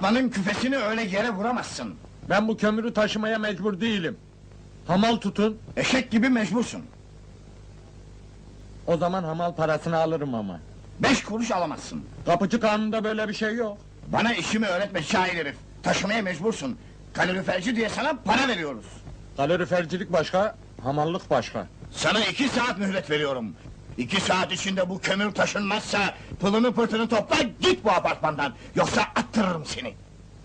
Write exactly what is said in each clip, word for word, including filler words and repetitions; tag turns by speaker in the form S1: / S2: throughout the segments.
S1: Apartmanın küfesini öyle yere vuramazsın.
S2: Ben bu kömürü taşımaya mecbur değilim. Hamal tutun,
S1: Eşek gibi mecbursun.
S2: o zaman hamal parasını alırım ama.
S1: Beş kuruş alamazsın.
S2: Kapıcı kanununda böyle bir şey yok.
S1: Bana işimi öğretme şair herif. Taşımaya mecbursun. Kaloriferci diye sana para veriyoruz.
S2: Kalorifercilik başka, hamallık başka.
S1: Sana iki saat mühlet veriyorum. İki saat içinde bu kömür taşınmazsa... ...pılını pırtını topla, git bu apartmandan. Yoksa attırırım seni.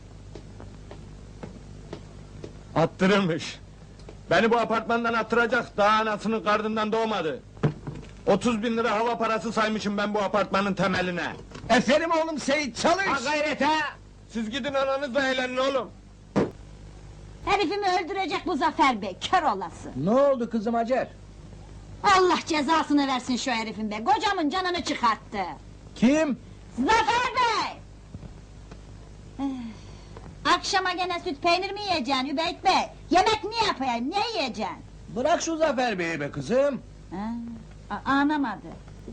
S2: Attırılmış. Beni bu apartmandan attıracak, daha anasının karnından doğmadı. Otuz bin lira hava parası saymışım ben bu apartmanın temeline.
S1: Eferim oğlum Seyit, çalış!
S2: Ha gayret ha! Siz gidin ananızla eğlenin oğlum.
S3: Herifimi öldürecek bu Zafer Bey, kör olası!
S4: Ne oldu kızım Hacer?
S3: Allah cezasını versin şu herifin be, kocamın canını çıkarttı!
S4: Kim?
S3: Zafer Bey! Eh, Akşama gene süt peynir mi yiyeceksin Übeyt Bey? Yemek ne yapayım, ne yiyeceksin?
S4: Bırak şu Zafer Bey'i be kızım.
S3: Ha, a- anlamadı.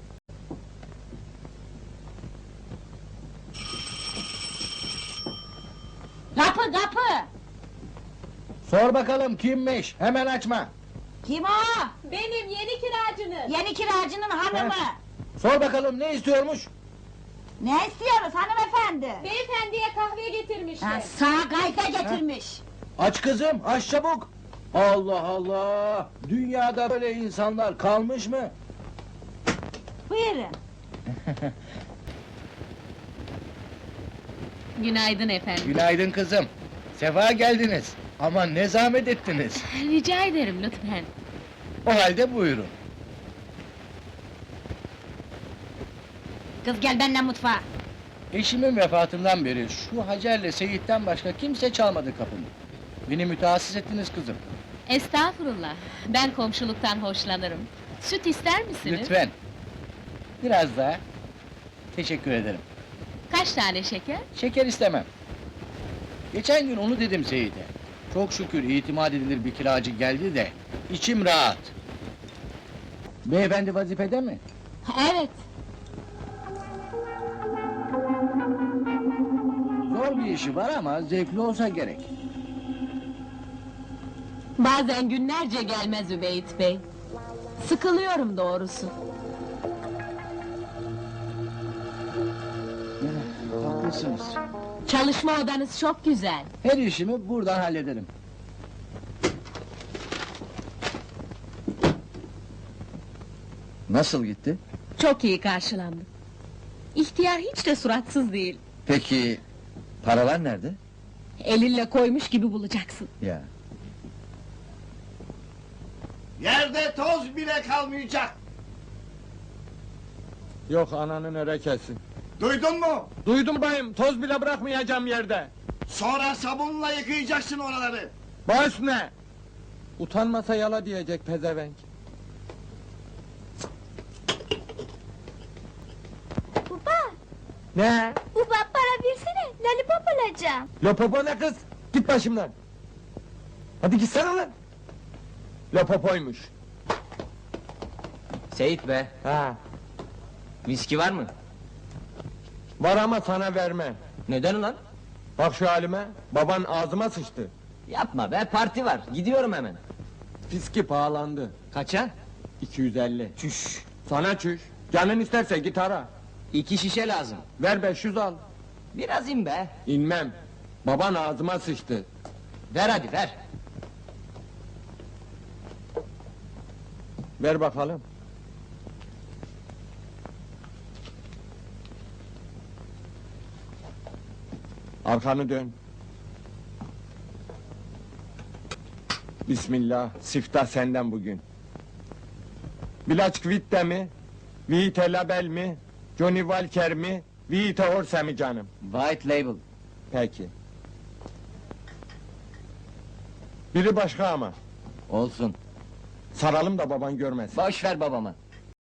S3: Kapı kapı!
S4: Sor bakalım kimmiş? Hemen açma.
S3: Kim o?
S5: Benim yeni kiracınız.
S3: Yeni kiracının hanımı!
S4: Sor bakalım ne istiyormuş?
S3: Ne istiyoruz hanımefendi?
S5: Beyefendiye kahve getirmiştim.
S3: Ha, sağ gayfe getirmiş!
S4: Aç kızım, aç çabuk. Allah Allah! Dünyada böyle insanlar kalmış mı?
S3: Buyurun!
S5: Günaydın efendim.
S4: Günaydın kızım. Sefa geldiniz. Ama ne zahmet ettiniz.
S5: Rica ederim lütfen.
S4: O halde buyurun.
S3: Kız gel benimle mutfağa!
S4: Eşimin vefatından beri şu Hacer'le Seyit'ten başka kimse çalmadı kapımı. Beni mütehassıs ettiniz kızım.
S5: Estağfurullah. Ben komşuluktan hoşlanırım. Süt ister misiniz?
S4: Lütfen. Biraz daha. Teşekkür ederim.
S5: Kaç tane şeker?
S4: Şeker istemem. Geçen gün onu dedim Seyit'e. Çok şükür itimat edilir bir kiracı geldi de içim rahat. Beyefendi vazifede mi?
S3: Evet!
S4: Zor bir işi var ama zevkli olsa gerek.
S5: Bazen günlerce gelmez Übeyt Bey. Sıkılıyorum doğrusu.
S4: Haklısınız.
S5: Çalışma odanız çok güzel.
S4: Her işimi buradan hallederim. Nasıl gitti?
S5: Çok iyi karşılandım. İhtiyar hiç de suratsız değil.
S4: Peki paralar nerede?
S5: Elinle koymuş gibi bulacaksın.
S4: Ya.
S1: Yerde toz bile kalmayacak.
S2: Yok ananın örekesi.
S1: Duydun mu?
S2: Duydum bayım, toz bile bırakmayacağım yerde.
S1: Sonra sabunla yıkayacaksın oraları.
S2: Baş ne? Utanmasa yala diyecek pezevenk.
S3: Baba!
S2: Ne?
S3: Baba para versene, lollipop alacağım!
S2: Lopopo ne kız? Git başımdan! Hadi gitsene lan! Lopopoymuş.
S6: Seyit be,
S2: Ha,
S6: viski var mı?
S2: var ama sana vermem.
S6: Neden ulan?
S2: Bak şu halime, baban ağzıma sıçtı.
S6: Yapma be, parti var, gidiyorum hemen.
S2: Fiski pahalandı.
S6: Kaça?
S2: iki yüz elli.
S6: Çüş!
S2: Sana çüş. Canın isterse git ara.
S6: İki şişe lazım.
S2: Ver beş yüz al.
S6: Biraz in be.
S2: İnmem. Baban ağzıma sıçtı.
S6: Ver hadi ver.
S2: Ver bakalım. Arkanı dön. Bismillah, siftah senden bugün. Bilaç Kvitte mi? Vite Label mi? Johnny Walker mi? Vite Orse mi canım?
S6: White label.
S2: Peki. Biri başka ama.
S6: Olsun.
S2: Saralım da baban görmesin.
S6: Boş ver babama.